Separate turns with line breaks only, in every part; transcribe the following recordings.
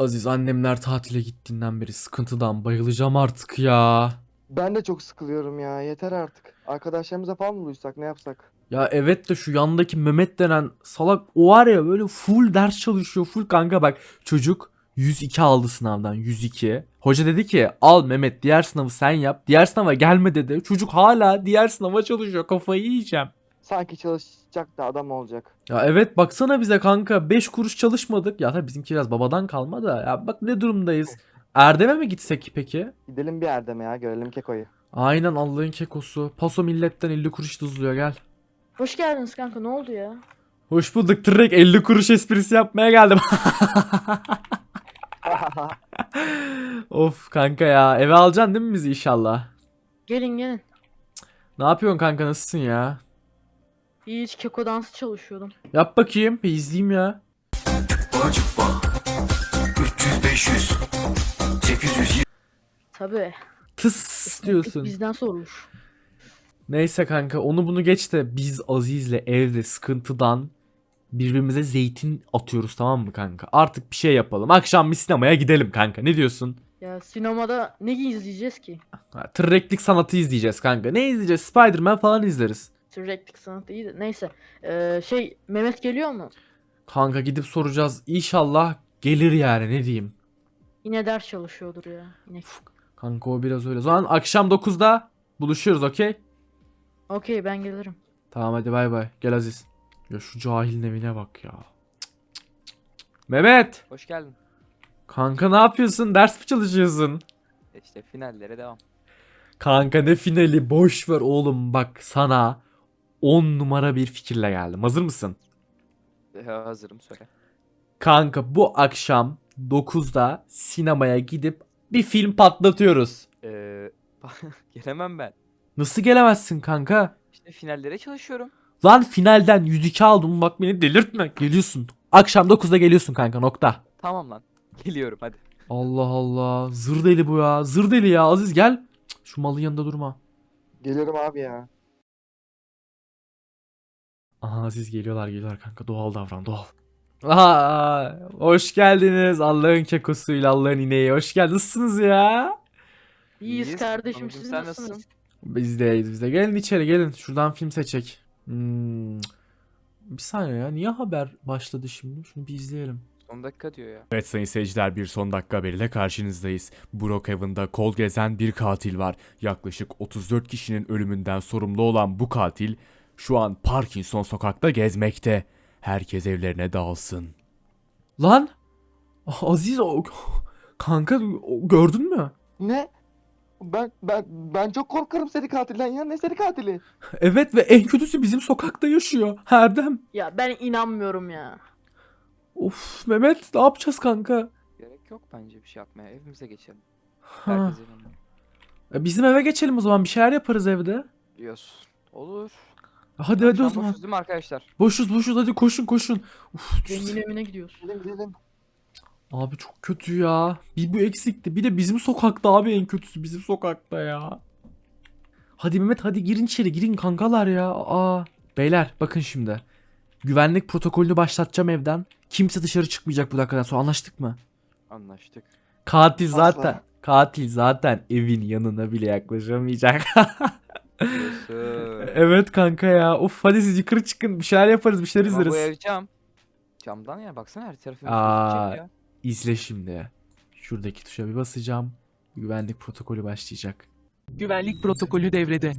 Aziz, annemler tatile gittiğinden beri sıkıntıdan bayılacağım artık ya.
Ben de çok sıkılıyorum ya. Yeter artık. Arkadaşlarımıza falan mı buluşsak, ne yapsak?
Ya evet de şu yandaki Mehmet denen salak, o var ya, böyle full ders çalışıyor. Full kanka, bak çocuk 102 aldı sınavdan, 102. Hoca dedi ki al Mehmet, diğer sınavı sen yap. Diğer sınava gelme dedi. Çocuk hala diğer sınava çalışıyor, kafayı yiyeceğim.
Sanki çalışacak da adam olacak.
Ya evet, baksana bize kanka, 5 kuruş çalışmadık. Ya tabii bizimki biraz babadan kalma da, ya bak ne durumdayız. Erdem'e mi gitsek peki?
Gidelim bir Erdem'e ya, görelim Keko'yu.
Aynen, Allah'ın kekosu. Paso milletten 50 kuruş tuzluyor, gel.
Hoş geldiniz kanka, ne oldu ya?
Hoş bulduk, direkt 50 kuruş esprisi yapmaya geldim. Of kanka ya, eve alacaksın değil mi bizi inşallah?
Gelin gelin.
Ne yapıyorsun kanka, nasılsın ya?
Hiç keko dansı çalışıyordum.
Yap bakayım, bir izleyeyim ya.
Acıkma 300 500 800.
Tabii.
Tıs diyorsun.
Bizden sorulur.
Neyse kanka, onu bunu geç de biz Aziz'le evde sıkıntıdan birbirimize zeytin atıyoruz, tamam mı kanka? Artık bir şey yapalım. Akşam bir sinemaya gidelim kanka, ne diyorsun?
Ya sinemada ne izleyeceğiz ki?
Ha, tırreklik sanatı izleyeceğiz kanka. Ne izleyeceğiz? Spider-Man falan izleriz.
Sürekli sanatı iyi de. Neyse. Mehmet geliyor mu?
Kanka gidip soracağız. İnşallah gelir yani, ne diyeyim.
Yine ders çalışıyordur ya. Yine.
Kanka o biraz öyle. O zaman akşam 9'da buluşuyoruz, okey?
Okey, ben gelirim.
Tamam hadi, bay bay. Gel Aziz. Ya şu cahilin evine bak ya. Mehmet.
Hoş geldin.
Kanka ne yapıyorsun? Ders mi çalışıyorsun?
İşte finallere devam.
Kanka ne finali, boş ver oğlum, bak sana 10 numara bir fikirle geldim. Hazır mısın?
Hazırım, söyle.
Kanka bu akşam 9'da sinemaya gidip bir film patlatıyoruz.
Ee, Gelemem ben.
Nasıl gelemezsin kanka?
İşte finallere çalışıyorum.
Lan finalden 102 aldım, bak beni delirtme. Geliyorsun. Akşam 9'da geliyorsun kanka, nokta.
Tamam lan. Geliyorum hadi.
Allah Allah. Zır deli bu ya. Zır deli ya. Aziz gel. Cık, şu malın yanında durma.
Geliyorum abi ya.
Aha, Aziz geliyorlar kanka. Doğal davran, doğal. Aha, hoş geldiniz. Allah'ın kekosuyla Allah'ın ineği. Hoş geldiniz. Nasılsınız ya?
İyiyiz
İyiyiz.
kardeşim,
Sonucum,
siz
sen
nasılsınız?
nasılsın?
Biz de. Gelin içeri, gelin. Şuradan film seçek. Bir saniye ya. Niye haber başladı şimdi? Şunu bir izleyelim.
Son dakika diyor ya.
Evet sayın seyirciler, bir son dakika haberiyle karşınızdayız. Brookhaven'da kol gezen bir katil var. Yaklaşık 34 kişinin ölümünden sorumlu olan bu katil şu an Parkinson sokakta gezmekte. Herkes evlerine dağılsın.
Lan! Aziz kanka, gördün mü?
Ne? Ben çok korkarım seri katilden ya. Ne seri katili?
Evet, ve en kötüsü bizim sokakta yaşıyor. Erdem.
Ya ben inanmıyorum ya.
Of Mehmet, ne yapacağız kanka?
Gerek yok bence bir şey yapmaya. Evimize geçelim.
Ha.
Herkes evine.
Bizim eve geçelim o zaman, bir şeyler yaparız evde.
Diyorsun. Olur.
Hadi o
Akşam
zaman.
boşuz değil mi arkadaşlar?
Boşuz, hadi koşun. Uf,
Zengin evine gidiyoruz.
Gidelim.
abi çok kötü ya. Bir bu eksikti. Bir de bizim sokakta abi, en kötüsü bizim sokakta ya. Hadi Mehmet, hadi girin içeri, girin kankalar ya. Beyler bakın şimdi. Güvenlik protokolünü başlatacağım evden. Kimse dışarı çıkmayacak bu dakikadan sonra, anlaştık mı?
Anlaştık.
Katil
Asla.
zaten. Katil zaten evin yanına bile yaklaşamayacak.
Diyorsun.
Evet kanka ya. Of, hadi siz yukarı çıkın. Bir şeyler yaparız, bir şeyler
Ama bu
izleriz.
ev cam. Camdan ya, baksana her tarafımız
Aa.
gözükecek ya.
İzle şimdi. Şuradaki tuşa bir basacağım. Güvenlik protokolü başlayacak.
Güvenlik protokolü devrede.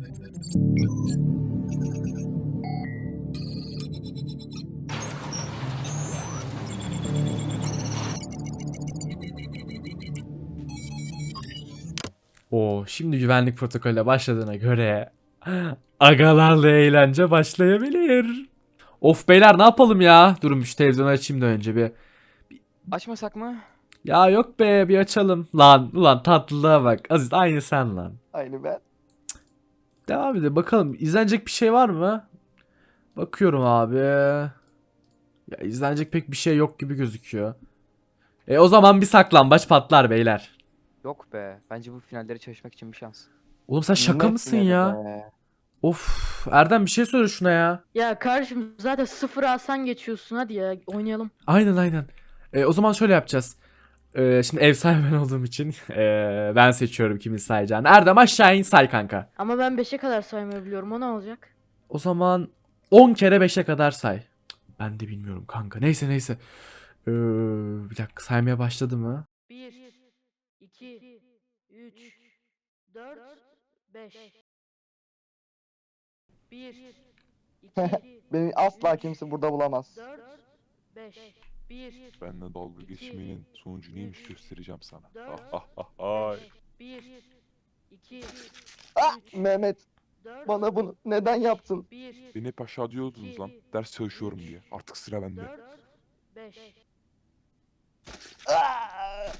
Şimdi güvenlik protokolüne başladığına göre agalarla eğlence başlayabilir. Of beyler, ne yapalım ya? Durun şu televizyonu açayım da önce bir.
Açmasak mı?
Ya yok be, bir açalım. Lan ulan, tatlılığa bak. Aziz aynı sen lan.
Aynı ben.
Devam edelim bakalım. İzlenecek bir şey var mı? Bakıyorum abi. Ya izlenecek pek bir şey yok gibi gözüküyor. O zaman bir saklambaç patlar beyler.
Yok be. Bence bu finallere çalışmak için bir şans.
Oğlum sen şaka
Ne
mısın
finali
ya?
be?
Of, Erdem bir şey söyle şuna ya.
Ya kardeşim zaten sıfır alsan geçiyorsun, hadi ya oynayalım.
Aynen. O zaman şöyle yapacağız. Şimdi ev sahibi ben olduğum için ben seçiyorum kimin sayacağını. Erdem aşağı in say kanka.
Ama ben 5'e kadar saymayı biliyorum. O ne olacak?
O zaman 10 kere 5'e kadar say. Cık, ben de bilmiyorum kanka. Neyse. Bir dakika saymaya başladı mı?
1, 2, 3, 4, 5. 1, 2,
Beni asla kimse burada bulamaz.
4, 5. 1,
Benle dalga geçmenin sonucu neymiş göstereceğim sana.
4,
Ay.
1, 2,
Ah
3,
Mehmet
4,
bana bunu neden yaptın?
1,
Beni hep aşağı diyordunuz lan. Ders çalışıyorum diye. Artık sıra bende.
4, 5.
Ah!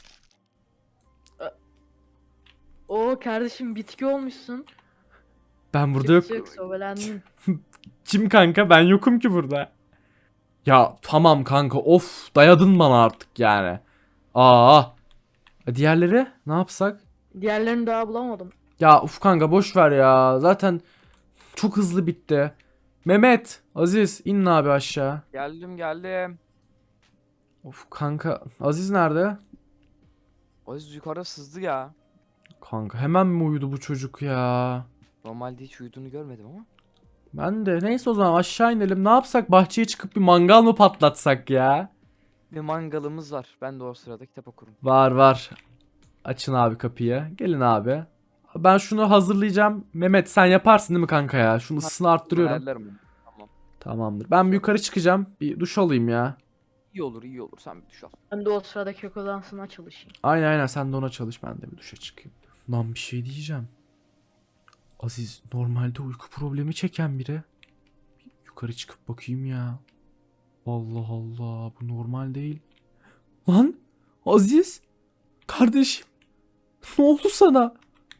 Oo kardeşim bitki olmuşsun.
Ben burada yok.
Çık sobelendin.
Kim kanka? Ben yokum ki burada. Ya tamam kanka of dayadın bana artık yani. Aa. Diğerleri ne yapsak?
Diğerlerini daha bulamadım.
Ya uf kanka boş ver ya. Zaten çok hızlı bitti. Mehmet, Aziz inin abi aşağı.
Geldim.
Of kanka Aziz nerede?
Aziz yukarıda sızdı ya.
Kanka hemen mi uyudu bu çocuk ya?
Normalde hiç uyuduğunu görmedim ama.
Ben de neyse o zaman aşağı inelim. Ne yapsak bahçeye çıkıp bir mangal mı patlatsak ya?
Bir mangalımız var. Ben de o sırada kitap okurum.
Var. Açın abi kapıyı. Gelin abi. Ben şunu hazırlayacağım. Mehmet sen yaparsın değil mi kanka ya? Şunu ısısını arttırıyorum.
Ayarlarım onu. Tamam.
Tamamdır. Ben bir yukarı çıkacağım. Bir duş alayım ya.
İyi olur. Sen bir duş al.
Ben de o sırada kök odansına çalışayım.
Aynen sen de ona çalış. Ben de bir duşa çıkayım. Lan bir şey diyeceğim. Aziz normalde uyku problemi çeken biri. Bir yukarı çıkıp bakayım ya. Allah Allah bu normal değil. Lan Aziz. Kardeşim. Ne oldu sana?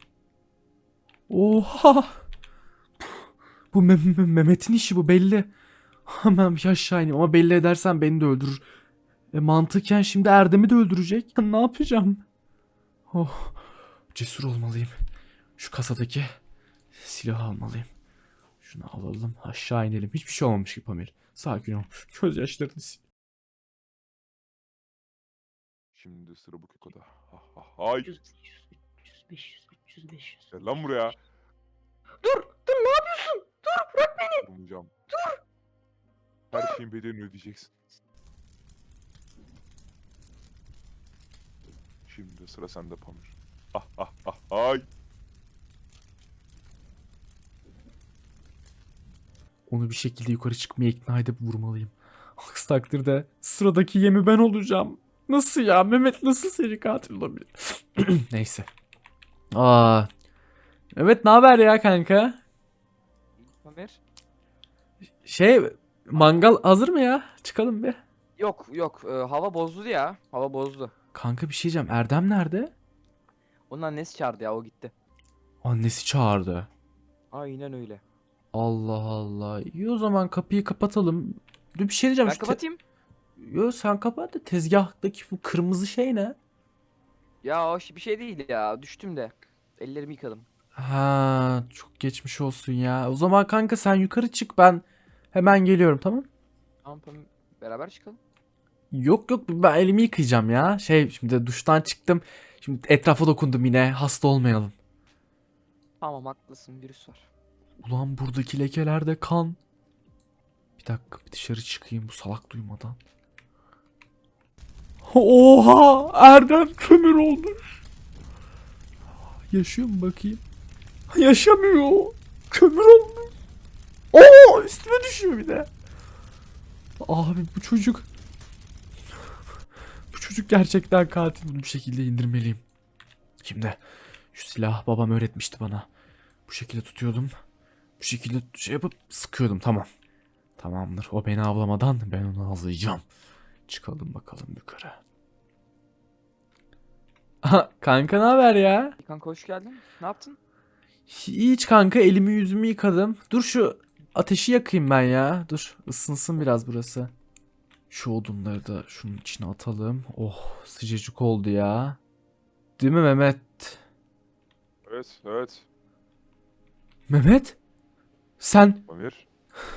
Oha. Bu Mehmet'in işi bu belli. Hemen bir aşağı ineyim ama belli edersen beni de öldürür. Mantıken şimdi Erdem'i de öldürecek. Ne yapacağım? Oh. Cesur olmalıyım. Şu kasadaki silahı almalıyım. Şunu alalım aşağı inelim. Hiçbir şey olmamış gibi Pamir. Sakin ol. Gözyaşlarını sil.
Şimdi sıra bu kekoda. Ay.
300, 300, 500, 300, 500.
Gel lan buraya.
Dur ne yapıyorsun? Dur bırak beni.
Vurmayacağım. Dur. Her şeyin bedelini ödeyeceksin. Şimdi sıra sende Pamir. Ay.
Onu bir şekilde yukarı çıkmaya ikna edip vurmalıyım. Aksi takdirde sıradaki yemi ben olacağım. Nasıl ya? Mehmet nasıl seri katil olabilir? Neyse. Aa. Evet ne haber ya kanka?
Ömer?
Mangal hazır mı ya? Çıkalım bir.
Yok. Hava bozdu ya. Hava bozdu.
Kanka bir şey diyeceğim. Erdem nerede?
Onun annesi çağırdı ya. O gitti.
Annesi çağırdı.
Aynen öyle.
Allah Allah. İyi o zaman kapıyı kapatalım. Dur bir şey diyeceğim.
Ben
Şu
kapatayım.
Yo sen kapat da tezgahtaki bu kırmızı şey ne?
Ya o bir şey değil ya. Düştüm de. Ellerimi yıkadım.
Ha çok geçmiş olsun ya. O zaman kanka sen yukarı çık ben hemen geliyorum tamam?
Tamam. Beraber çıkalım.
Yok ben elimi yıkayacağım ya. Şimdi duştan çıktım. Şimdi etrafa dokundum yine hasta olmayalım.
Tamam haklısın. Virüs var.
Ulan buradaki lekelerde kan. Bir dakika bir dışarı çıkayım bu salak duymadan. Oha Erdem kömür olmuş. Yaşıyor mu bakayım? Yaşamıyor. Kömür olmuş. Oo üstüme düşüyor bir de. Abi bu çocuk. Bu çocuk gerçekten katil. Bunu bir şekilde indirmeliyim. Şimdi şu silah babam öğretmişti bana. Bu şekilde tutuyordum. Bu şekilde şey yapıp sıkıyordum tamam. Tamamdır. O beni avlamadan ben onu avlayacağım. Çıkalım bakalım yukarı. Aha, kanka ne haber ya?
Kanka hoş geldin. Ne yaptın?
Hiç kanka elimi yüzümü yıkadım. Dur şu ateşi yakayım ben ya. Dur ısınsın biraz burası. Şu odunları da şunun içine atalım. Oh sıcacık oldu ya. Değil mi Mehmet?
Evet.
Mehmet? Sen
Pamir.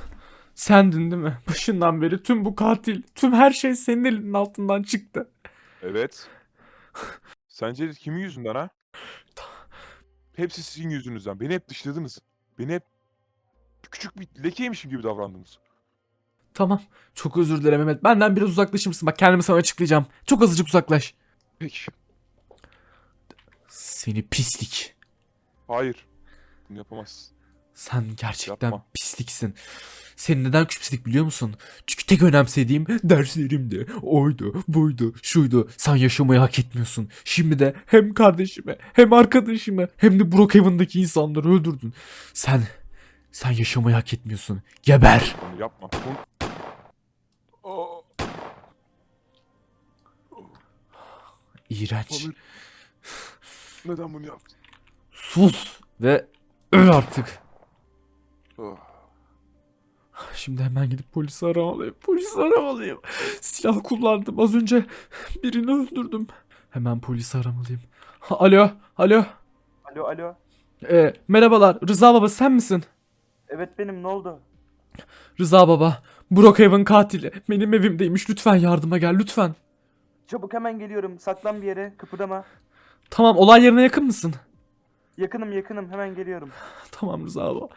sendin değil mi? Başından beri tüm bu katil, tüm her şey senin elinin altından çıktı.
Evet. Sence kimin yüzünden ha? Hepsi sizin yüzünüzden. Beni hep dışladınız. Beni hep küçük bir lekeymişim gibi davrandınız.
Tamam. Çok özür dilerim Mehmet. Benden biraz uzaklaşır mısın? Bak kendimi sana açıklayacağım. Çok azıcık uzaklaş.
Peki.
Seni pislik.
Hayır. Bunu yapamazsın.
Sen gerçekten
Yapma.
pisliksin. Senin neden küçümsedik biliyor musun? Çünkü tek önemsediğim derslerimdi. Oydu, buydu, şuydu. Sen yaşamayı hak etmiyorsun. Şimdi de hem kardeşimi, hem arkadaşımı, hem de Brookhaven'daki insanları öldürdün. Sen yaşamayı hak etmiyorsun. Geber.
Bunu yapma. Aa,
İğrenç.
Pamir. Neden bunu yaptın?
Sus ve öl artık.
Ah.
Şimdi hemen gidip polisi aramalıyım. Polisi aramalıyım. Silah kullandım. Az önce birini öldürdüm. Hemen polisi aramalıyım. Alo, alo.
Alo.
Merhabalar. Rıza baba sen misin?
Evet benim, ne oldu?
Rıza baba. Brookhaven katili. Benim evimdeymiş. Lütfen yardıma gel lütfen.
Çabuk hemen geliyorum. Saklan bir yere. Kıpırdama.
Tamam olay yerine yakın mısın?
Yakınım. Hemen geliyorum.
Tamam Rıza baba.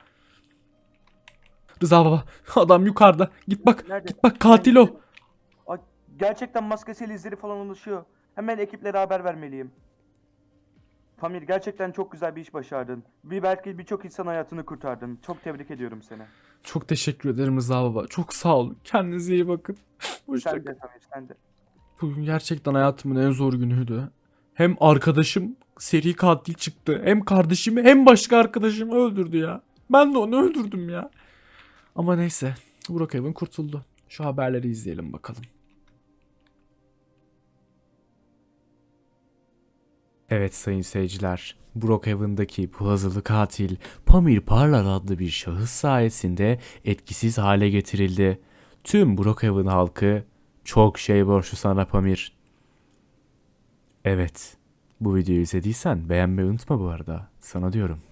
Rıza baba. Adam yukarıda. Git bak.
Nerede?
Git bak katil o.
Ay, gerçekten maskesiyle izleri falan oluşuyor. Hemen ekiplere haber vermeliyim. Pamir, gerçekten çok güzel bir iş başardın. Belki birçok insan hayatını kurtardın. Çok tebrik ediyorum seni.
Çok teşekkür ederim Rıza baba. Çok sağ olun. Kendinize iyi bakın. Hoşça
Sen de Pamir, sen de.
Bugün gerçekten hayatımın en zor günüydü. Hem arkadaşım seri katil çıktı. Hem kardeşimi hem başka arkadaşımı öldürdü ya. Ben de onu öldürdüm ya. Ama neyse. Brookhaven kurtuldu. Şu haberleri izleyelim bakalım.
Evet sayın seyirciler, Brookhaven'daki bu hazırlı katil Pamir Parlar adlı bir şahıs sayesinde etkisiz hale getirildi. Tüm Brookhaven halkı çok şey borçlu sana Pamir. Evet, bu videoyu izlediysen beğenmeyi unutma bu arada. Sana diyorum.